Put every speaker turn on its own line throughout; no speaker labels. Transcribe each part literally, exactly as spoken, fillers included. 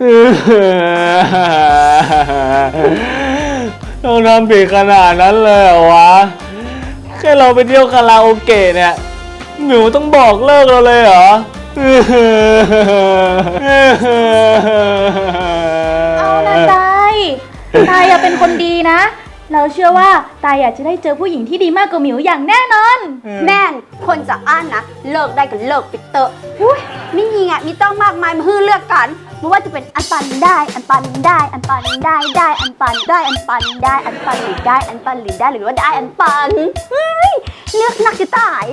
ต้องทำผิดขนาดนั้นเลยเหรอวะแค่เราไปเที่ยวคาราโอเกะเนี่ยหมิวต้องบอกเลิกเราเลยเหรอ
เอานะตายตายอย่าเป็นคนดีนะเราเชื่อว่าตายอยากจะได้เจอผู้หญิงที่ดีมากกว่าหมิวอย่างแน่นอน
แม่นคนจะอ้านนะเลิกได้ก็เลิกไปเตอะอุ้ยไม่มีไงมีต้องมากมายมาฮื้อเลือกกันไม่ว่าจะเป็นอันปันได้อันปันได้อันปันได้ได้อันปันได้อันปันได้อันปันหรือได้อันปันหรือได้หรือว่าได้อันปันเฮ้ยเลือกนักจะตาย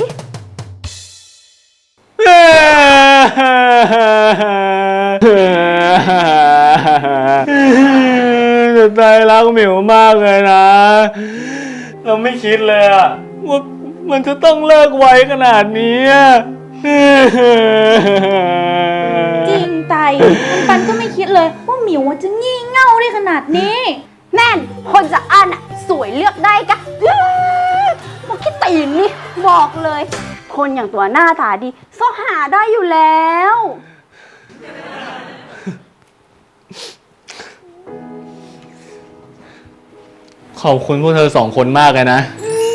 จะใจรักหมิวมากเลยนะเราไม่คิดเลยอะว่ามันจะต้องเลิกไวขนาดนี้
จริงไตปันก็ไม่คิดเลยว่าหมิวจะงี่เง่าได้ขนาดนี้
แม่นคนจะอ้านอะสวยเลือกได้กะบอกคิดตีนนี่บอกเลยคนอย่างตัวหน้าตาดีซ่อหาได้อยู่แล้ว
ขอบคุณพวกเธอสองคนมากเลยนะ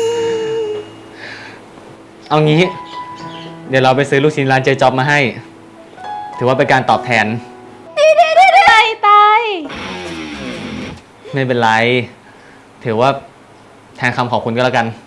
เอางี้เดี๋ยวเราไปซื้อลูกชิ้นร้านเจจ๊อบมาให้ถือว่าเป็นการตอบแทน
ดีดีดีดีตาย
ไม่เป็นไรถือว่าแทนคำขอบคุณก็แล้วกัน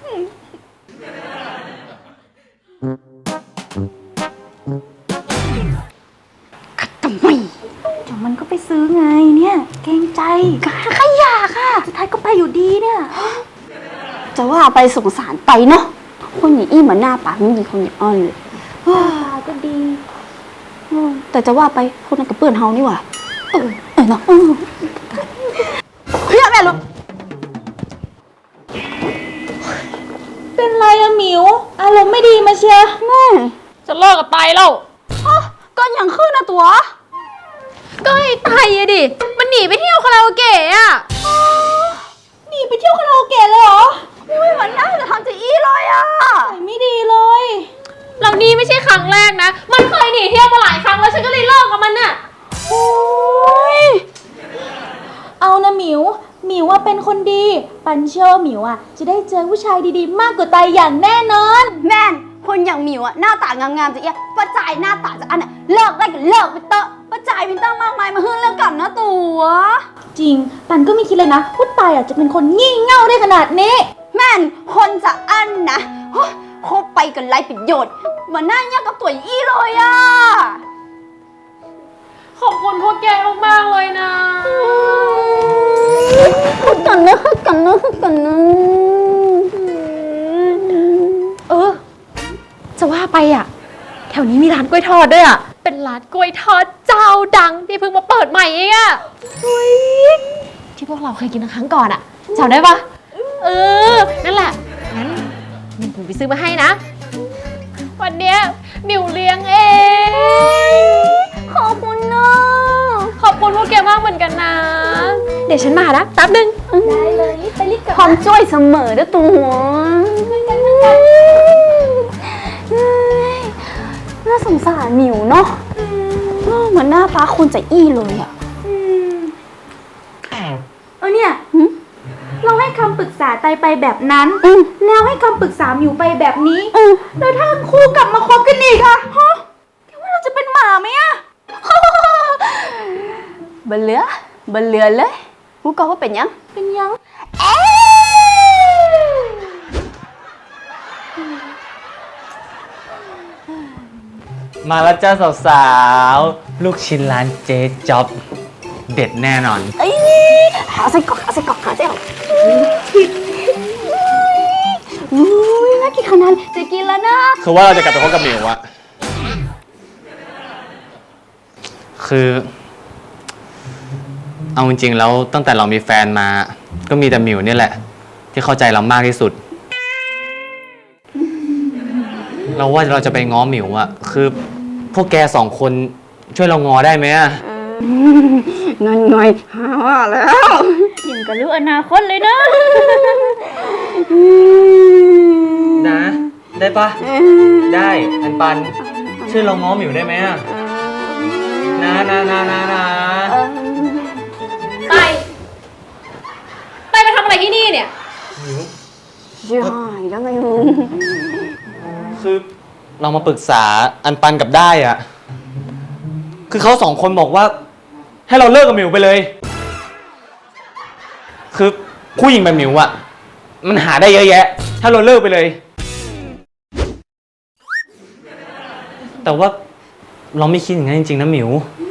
ทำไม
เดี๋ยวมันก็ไปซื้อไงเนี่ยเกรงใจใครอยากค่ะสุดท้ายก็ไปอยู่ดีเนี่ย
จะว่าไปสงสารไปเนาะคนอย่างอี้เหมือนหน้าปากไม่มีคนอย่างอ้อนเลย
ตาก็ดี
แต่จะว่าไปคนนั้นกับเพื่อนเฮานี่หว่าเออเออเนาะเฮ้ยแม่ลูก
เป็นไรอะหมิวอารมณ์ไม่ดีมาเชีย
แม่
จะเลิกกับไตแล้ว
ก็ยังขึ้นนะตัว
ก็ไอ้ไตอะดิมันหนีไปเที่ยวคาราโอเกะอะหนีไปเที่ยวคาราโอเกะเลยเหรอ
อุ้ยมันน่าจะทำจะอี้เลยอะ
ใส่ไม่ดีเลยเรานี่ไม่ใช่ครั้งแรกนะมันเคยหนีเที่ยวมาหลายครั้งแล้วฉันก็เลยเลิกกับมันน่ะโอ้ยเอานะหมิวหมิวว่าเป็นคนดีปันเชื่อว่าหมิวอะจะได้เจอผู้ชายดีๆมากกว่าไตอย่างแน่นอน
แม่นคนอย่างหมิวอะหน้าตางามๆจะเอี้ยป้าจ่ายหน้าตาจะอันอะเลิกได้ก็เลิกไปเตอะป้าจ่ายมีตั้งมากมายมาฮื้อเรื่องกันนะตัว
จริงปันก็ไม่คิดเลยนะว่าไตอะจะเป็นคนงี่เง่าได้ขนาดนี้
แม่นคนจะอันนะคบไปกันไร้ประโยชน์เหมือนหน้าเงี้ยกับตัวอี้เลยอะ
ขอบคุณพวกแกมากๆเลยนะ
ฮึกกันนะฮึกกันนะฮึกกันนะ
เออจะว่าไปอ่ะแถวนี้มีร้านกล้วยทอดด้วยอ่ะเป็นร้านกล้วยทอดเจ้าดังที่เพิ่งมาเปิดใหม่เองอ่ะที่พวกเราเคยกินครั้งก่อนอ่ะจำได้ปะเออนั่นแหละงั้นมิวไปซื้อมาให้นะวันเนี้ยมิวเลี้ยงเอง
ขอบคุณนะ
ขอบคุณพวกแกมากเหมือนกันนะเดี๋ยวฉันมานะแป๊บนึงได้เลยไปรีบกับ
ความช่วยเสมอด้วยตัวน่าสงสารหมิวเนาะเหมือนหน้าฟ้าคนจะอี้เลยอ่ะ
เออเนี่ยเราให้คำปรึกษาไตไปแบบนั้นแล้วให้คำปรึกษาหมิวไปแบบนี้แล้วถ้าคู่กลับมาคบกันอีกอะฮะแกว่าเราจะเป็นหมาไหมอะ
บันเลือบันเลือเลยกูก็ว่าเป็นยัง
เป็นยัง
มาแล้วจ้าสาวๆลูกชิ้นร้านเจจ๊อบเด็ดแน่นอน
ไอ้หาใส่กรอกหาใส่กรอกหาใส่กรอกอุ้ยน่ากินขนาดจะกินแล้วนะ
คือว่าเราจะกลับไปพบกับหมิวอะคือเอาจริงๆแล้วตั้งแต่เรามีแฟนมาก็มีแต่หมิวนี่แหละที่เข้าใจเรามากที่สุดเราว่าเราจะไปง้อหมิวอะคือพวกแกสองคนช่วยเราง้อได้ไหมอะ
นั่นไงหาว่าแล้ว
ยิ่งกับลูกอนาคตเลยนะ
นะได้ปะได้อันปันช่วยเราง้อหมิวได้ไหมอะนะนะนะนะนะเรามาปรึกษาอันปันกับได้อะคือเขาสองคนบอกว่า ให้เราเลิกกับหมิวไปเลย คือผู้หญิงแบบหมิวอะมันหาได้เยอะแยะ ถ้าเราเลิกไปเลย แต่ว่าเราไม่คิดอย่างนั้นจริงๆนะหมิว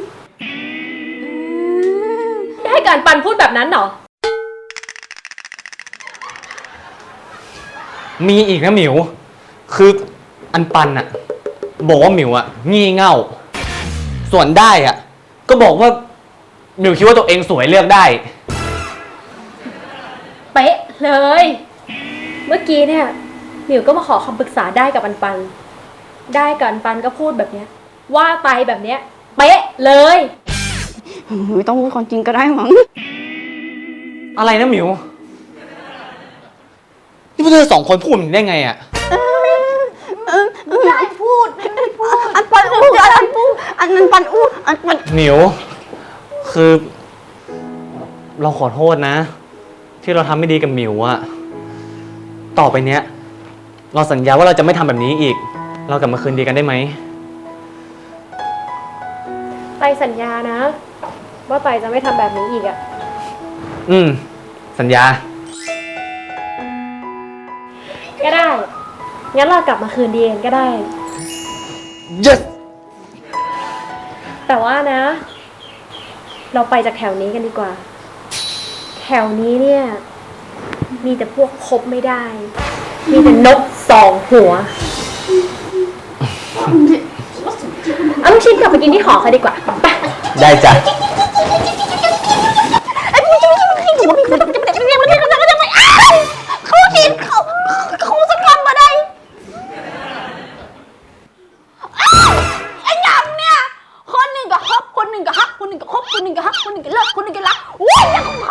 ได้การปันพูดแบบนั้นเหรอ
มีอีกนะหมิว คืออันปันอะบอกว่าหมิวอะงี่เง่า ส่วนได้อะก็บอกว่าหมิวคิดว่าตัวเองสวยเลือกได้
เป๊ะเลย เมื่อกี้เนี่ยหมิวก็มาขอคำปรึกษาได้กับอันปัน ได้กับอันปันก็พูดแบบเนี้ย ว่าไปแบบเนี้ย เป๊ะเลย
ไม่ต้องพูดความจริงก็ได้มั้ง
อะไรนะหมิว นี่พวกเธอสองคนพูดได้ไงอะ
ได้พูดไม่พูด อันปันอู้อันปันอู้อันนั้นปันอู้อันปัน
หมิว คือ เราขอโทษนะ ที่เราทำไม่ดีกับหมิวอะต่อไปเนี้ย เราสัญญาว่าเราจะไม่ทำแบบนี้อีก เรากลับมาคืนดีกันได้ไหม
ไตสัญญานะ ว่าไตจะไม่ทำแบบนี้อีกอะ
อืม สัญญา
ก็ได้ งั้นเรากลับมาคืนดีกันก็ได้
yes
แต่ว่านะ เราไปจากแถวนี้กันดีกว่า แถวนี้เนี่ย มีแต่พวกคบไม่ได้ มีแต่นกสองหัว เอาลูกชิ้นกลับไปกินที่หอเขาดีกว่า ไป
ได้จ้ะ
เขาดินเขาเขาจะกลับมาได้ไอ้ยำเนี่ย คนหนึ่งก็ฮับคนหนึ่งก็ฮักคนหนึ่งก็คบคนหนึ่งก็ฮักคนหนึ่งก็เลิกคนหนึ่งก็รักว้ยแล้วของเขา